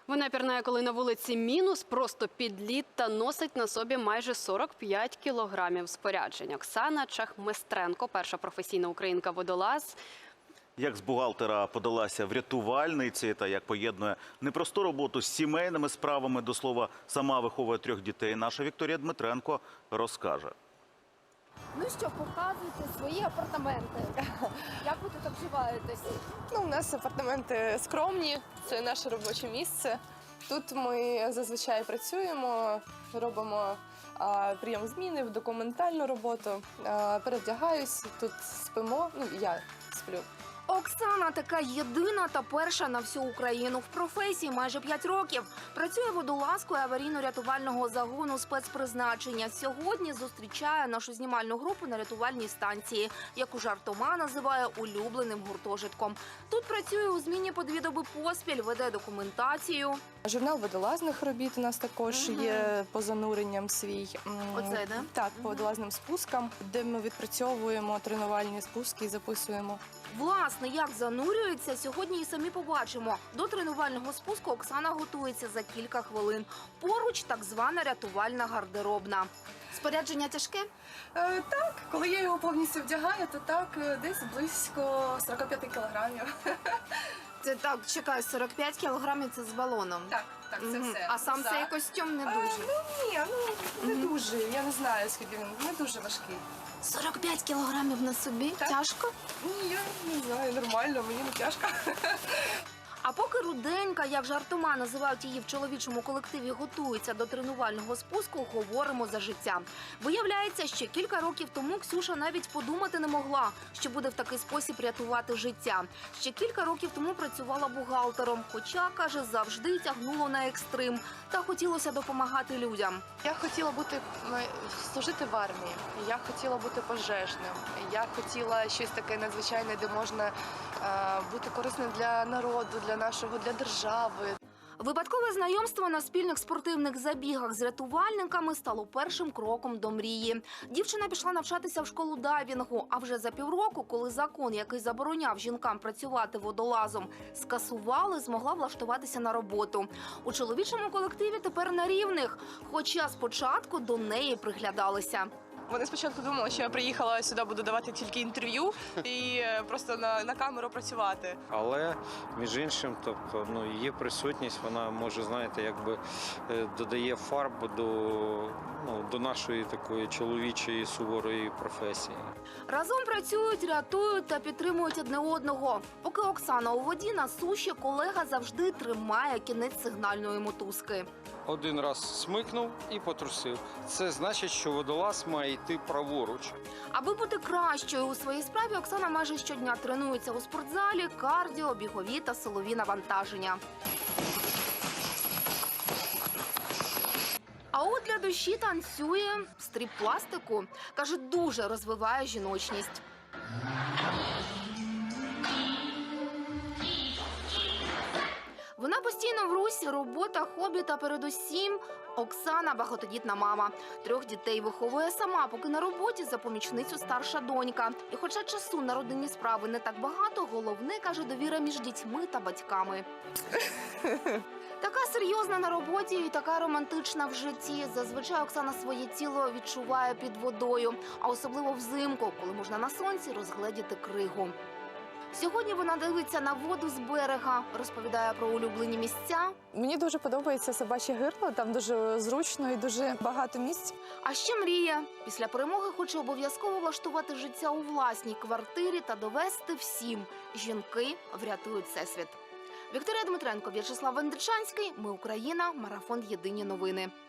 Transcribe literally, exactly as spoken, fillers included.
Вона пірнає, коли на вулиці мінус, просто під лід та носить на собі майже сорок п'ять кілограмів споряджень. Оксана Чахместренко, перша професійна українка-водолаз. Як з бухгалтера подалася врятувальниці та як поєднує непросту роботу з сімейними справами, до слова, сама виховує трьох дітей, наша Вікторія Дмитренко розкаже. Ну що, показуйте свої апартаменти. Як ви тут обживаєтесь? Ну, у нас апартаменти скромні, це наше робоче місце. Тут ми зазвичай працюємо, робимо а, прийом зміни, документальну роботу, а, перевдягаюсь, тут спимо, ну, я сплю. Оксана така єдина та перша на всю Україну. В професії майже п'ять років. Працює водолазкою аварійно-рятувального загону спецпризначення. Сьогодні зустрічає нашу знімальну групу на рятувальній станції, яку жартома називає улюбленим гуртожитком. Тут працює у зміні по дві доби поспіль, веде документацію. Журнал водолазних робіт у нас також Угу. є по зануренням свій. М, Оце, да? Так, по водолазним спускам, де ми відпрацьовуємо тренувальні спуски і записуємо. Власне, як занурюється, сьогодні і самі побачимо. До тренувального спуску Оксана готується за кілька хвилин. Поруч так звана рятувальна гардеробна. Спорядження тяжке? Е, так, коли я його повністю вдягаю, то так, е, десь близько сорок п'ять кілограмів. Це так, чекай, сорок п'ять кілограмів – це з балоном. Так, так, це Мгм. все. А сам За- цей костюм не Е, дуже. Ну ні, ну не дуже. Я не знаю, скільки він не дуже важкий. сорок п'ять кілограмів на собі? Так. Тяжко? Ні, я не знаю, нормально, мені не тяжко. А поки Руденька, як жартома називають її в чоловічому колективі, готується до тренувального спуску, говоримо за життя. Виявляється, ще кілька років тому Ксюша навіть подумати не могла, що буде в такий спосіб рятувати життя. Ще кілька років тому працювала бухгалтером, хоча, каже, завжди тягнуло на екстрим та хотілося допомагати людям. Я хотіла бути служити в армії. Я хотіла бути пожежним. Я хотіла щось таке надзвичайне, де можна е, бути корисним для народу, для нашого, для держави. Випадкове знайомство на спільних спортивних забігах з рятувальниками стало першим кроком до мрії. Дівчина пішла навчатися в школу дайвінгу, а вже за півроку, коли закон, який забороняв жінкам працювати водолазом, скасували, змогла влаштуватися на роботу. У чоловічому колективі тепер на рівних, хоча спочатку до неї приглядалися. Вони спочатку думали, що я приїхала сюди, буду давати тільки інтерв'ю і е, просто на, на камеру працювати. Але, між іншим, тобто, ну, її присутність, вона може, знаєте, якби е, додає фарбу до, ну, до нашої такої чоловічої суворої професії. Разом працюють, рятують та підтримують одне одного. Поки Оксана у воді, на суші колега завжди тримає кінець сигнальної мотузки. Один раз смикнув і потрусив. Це значить, що водолаз має йти праворуч. Аби бути кращою у своїй справі, Оксана майже щодня тренується у спортзалі, кардіо, бігові та силові навантаження. А от для душі танцює стріп-пластику. Каже, дуже розвиває жіночність. Вона постійно в русі, робота, хобі та передусім Оксана – багатодітна мама. Трьох дітей виховує сама, поки на роботі за помічницю старша донька. І хоча часу на родинні справи не так багато, головне, каже, довіра між дітьми та батьками. Така серйозна на роботі і така романтична в житті. Зазвичай Оксана своє тіло відчуває під водою, а особливо взимку, коли можна на сонці розгледіти кригу. Сьогодні вона дивиться на воду з берега, розповідає про улюблені місця. Мені дуже подобається собаче гирло, там дуже зручно і дуже багато місць. А ще мріє. Після перемоги хоче обов'язково влаштувати життя у власній квартирі та довести всім – жінки врятують всесвіт. Вікторія Дмитренко, В'ячеслав Вендичанський. Ми Україна. Марафон «Єдині новини».